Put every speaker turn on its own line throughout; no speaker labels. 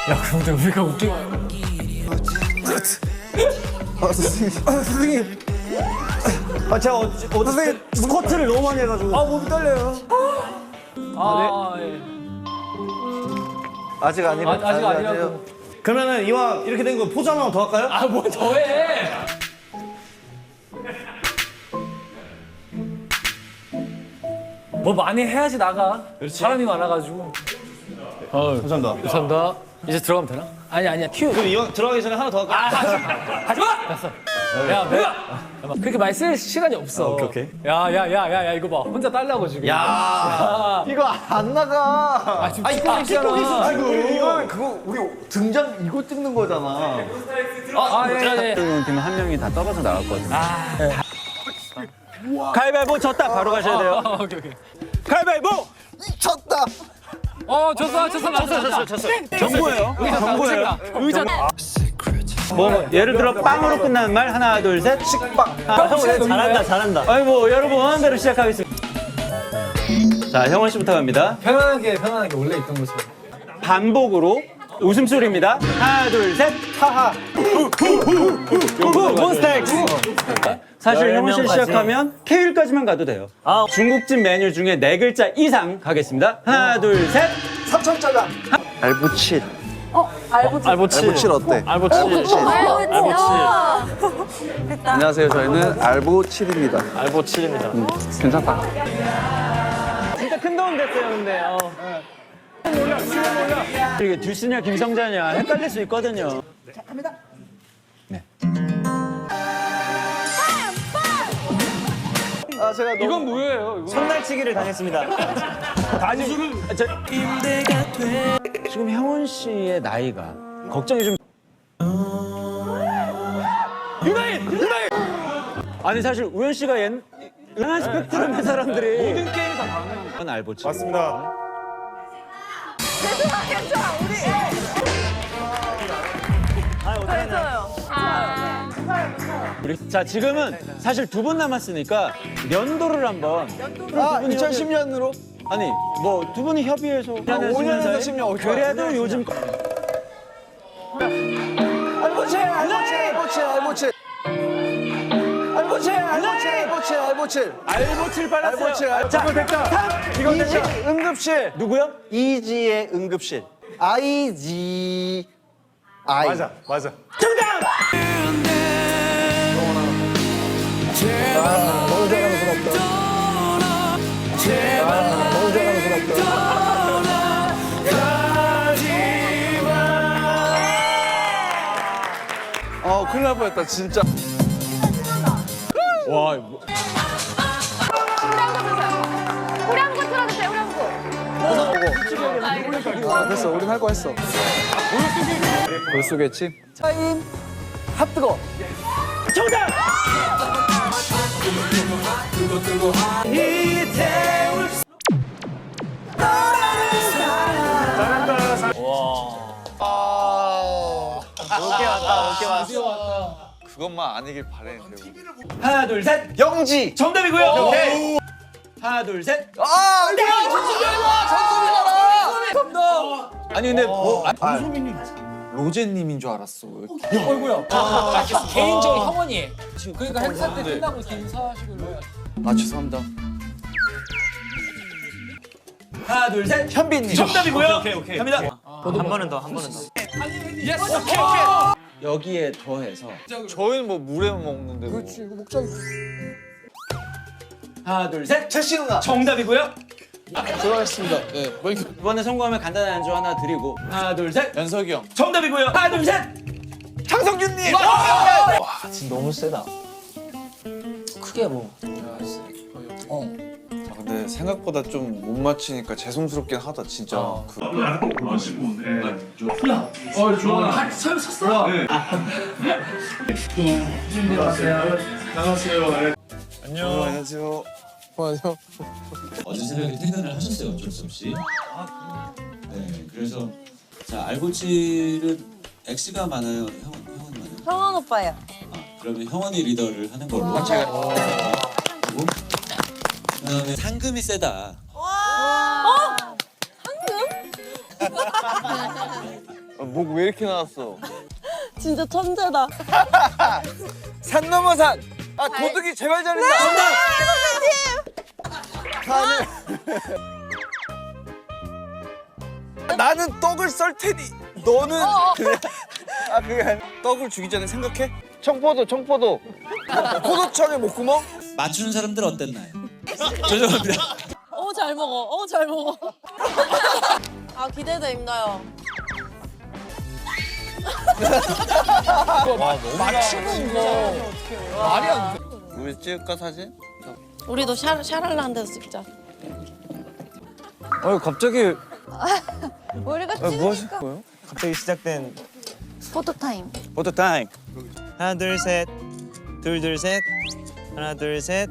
야 근데 우리가 웃기.
선생님. 제가 선생님 스쿼트를 너무 많이 해가지고. 몸이 떨려요.
예.
아직 아니라.
아직 아니라고.
그러면은 이왕 이렇게 된 거 포즈 하나만 더 할까요?
뭘 더해? 뭐 많이 해야지 나가. 사람이 많아가지고.
감사합니다.
감사합니다. 이제 들어가면 되나? 아니야 큐.
그럼 이왕 들어가기 전에 하나 더 할까요?
하지 마. 됐어. 야, 그렇게 많이 쓸 시간이 없어.
오케이.
야, 이거 봐. 혼자 딸라고 지금.
야.
이거 안 나가.
지금 찍고 있어.
아이고 이거 그거 우리 등장 이거 찍는 거잖아.
예.
팀은 한 명이 다 떨어져 나갔거든요. 가위바위보 졌다 바로 가셔야 돼요.
오케이.
가위바위보.
쳤다.
졌어.
경고예요. 경고예요.
의자.
뭐 예를 들어 빵으로 끝나는 말 하나 둘 셋.
식빵.
잘한다. 아이고 여러분 원하는 대로 시작하겠습니다. 자 형원 씨부터 갑니다.
편안하게 원래 있던 것처럼.
반복으로 웃음소리입니다. 하나 둘 셋. 하하. 몬스타엑스. 사실 형원 씨 시작하면 K일까지만 가도 돼요. 중국집 메뉴 중에 4글자 이상 가겠습니다. 하나 둘 셋.
삼천짜장. 알부칠. 알부칠 어때?
알보치.
안녕하세요. 저희는 알보칠입니다. 괜찮다.
진짜 큰 도움 됐어요, 근데. 이게 듀스냐 김성자냐 헷갈릴 수 있거든요. 자, 갑니다. 네.
제가 너무...
이건 뭐예요?
손날치기를 당했습니다. 아니 지금 형원 씨의 나이가 걱정이 좀. 유나인! 아니 사실 우현 씨가 연한 스펙트럼의 사람들이 모든 게임이 다 가능한 알보치.
맞습니다.
괜찮아. 우리.
자 지금은 사실 2분 남았으니까 연도를 한번.
2010년으로?
아니 뭐 2분이 협의해서
5년에서 10년.
그래도 요즘
알보칠.
알보칠 빨랐어요.
알보칠.
자 됐다. 이거
이지 응급실.
누구요?
이지의 응급실. 아이지. 아이.
맞아.
정답!
너무 자랑스럽다. 너무 자랑스럽다. 큰일 날 뻔했다 진짜.
와 이거.
후렴구 틀어주세요. 후렴구.
됐어, 우린 할 거 했어. 볼수겠지? 타임 핫뜨거.
정답!
그것만 아니길 바랬는데.
하나 둘 셋.
영지.
정답이고요. 오케이. 하나 둘 셋.
전소민이잖아.
아니 근데 뭐
로제님인 줄 알았어.
개인적인 형원이. 그러니까 행사 때 끝나고 이렇게 인사하시고 해야지.
죄송합니다.
하나 둘 셋.
현빈님.
정답이고요. 오케이. 갑니다.
한 번은 더. 예스. 오케이.
여기에 더해서
저희는 뭐 물에 먹는데. 그렇지, 이거 목적이.
하나 둘 셋.
제시 누나.
정답이고요.
들어가겠습니다. 네,
이번에 성공하면 간단한 안주 하나 드리고 하나 둘 셋.
연석이 형.
정답이고요. 하나 둘 셋.
창성균님.
지금 너무 세다. 크게 뭐.
근데 생각보다 좀 못 맞히니까 죄송스럽긴 하다 진짜. 안녕하세요.
어제 새벽에 퇴근을 하셨어요, 어쩔 수 없이. 네, 그래서 자 알보칠은 X가 많아요, 형원이 많아요.
형원 오빠요.
그러면 형원이 리더를 하는 걸로. 그리고 그다음에 상금이 세다.
목 왜 이렇게 나왔어?
진짜 천재다.
산 넘어 산. 아 도둑이 제발 잘했다. 산을. 나는 떡을 썰 테니 너는 그래. 아 그게 아니라 떡을 주기 전에 생각해. 청포도 포도청의 목구멍.
맞추는 사람들 어땠나요? 죄송합니다.
잘 먹어. 잘 먹어. 아, 기대됩니다.
맞추는 거 말이 안 돼.
우리 찍을까 사진?
우리도 샤랄라한 데서 찍자.
갑자기
우리가
뭐 하실
찍으니까.
거예요?
갑자기 시작된
포토타임.
포토 타임. 하나 둘 셋. 둘 셋. 하나 둘 셋.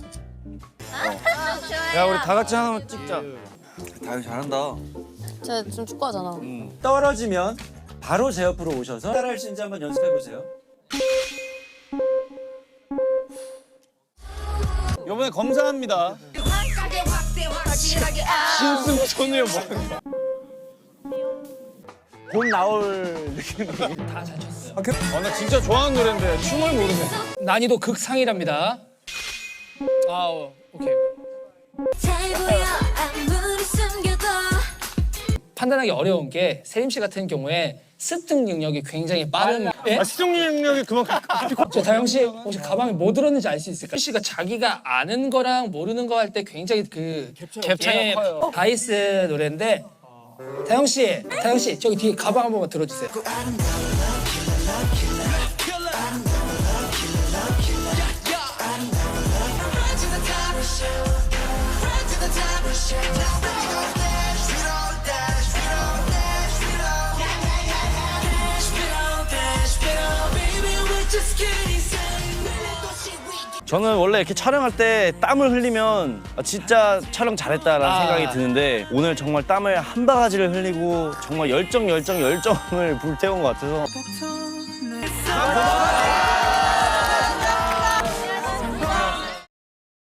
야 우리 다 같이 하나만 찍자.
다현 잘한다.
쟤 지금 축구하잖아.
떨어지면 바로 제 옆으로 오셔서 따라할 수 있는지 한번 연습해 보세요.
이번에 검사합니다.
신승천이야 뭐.
봄 나올 느낌이.
다 잘 쳤어.
나 진짜 좋아하는 노래인데 춤을 모르네.
난이도 극상이랍니다. 오케이. 판단하기 어려운 게 세림 씨 같은 경우에 습득 능력이 굉장히 빠른. 예?
시청 능력이 그만큼.
저 다영 씨 혹시 가방에 뭐 들었는지 알 수 있을까요? 씨가 자기가 아는 거랑 모르는 거 할 때 굉장히 그 갭차가 커요. 다이스 노래인데 다영 씨 저기 뒤에 가방 한 번만 들어주세요.
저는 원래 이렇게 촬영할 때 땀을 흘리면 진짜 촬영 잘했다라는 생각이 드는데 오늘 정말 땀을 한 바가지를 흘리고 정말 열정을 불태운 것 같아서